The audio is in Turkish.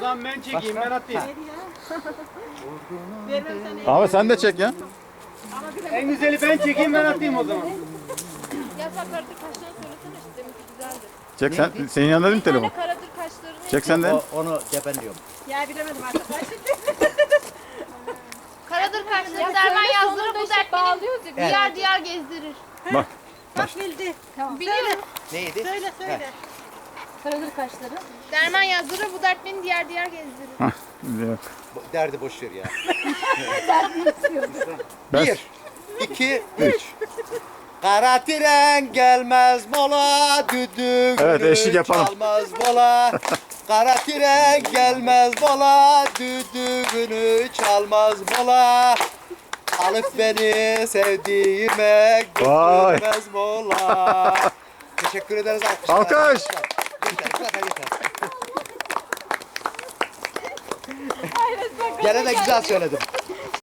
zaman ben çekeyim, ben atayım. Ahmet sen de çek ya. En güzeli ben çekeyim, ben atayım o zaman. Yasak karadır kaşlarını söylesene işte deminki güzeldi. Çek sen. Senin yanında değil mi telefon? Böyle karadır kaşlarını. Çek sen de. Onu cebenliyorum. Ya bilemedim artık. Karadır kaşları derman yazdırır bu dert beni diyar diyar gezdirir. Bak. Bak bildi. Tamam. Biliyorum. Neydi? Söyle söyle. Karadır kaşları. Derman yazdırır bu dert beni diyar diyar gezdirir. Yok. Derdi boş ver ya. Ben- 1, 2, 3. Kara tren gelmez mola, düdüğünü Evet, eşlik yapalım. çalmaz mola. Kara tren gelmez mola, düdüğünü çalmaz mola. Alıp beni sevdiğime Vay. götürmez mola. Teşekkür ederiz alkışlar. Alkış. Yeter. Gene de güzel söyledim.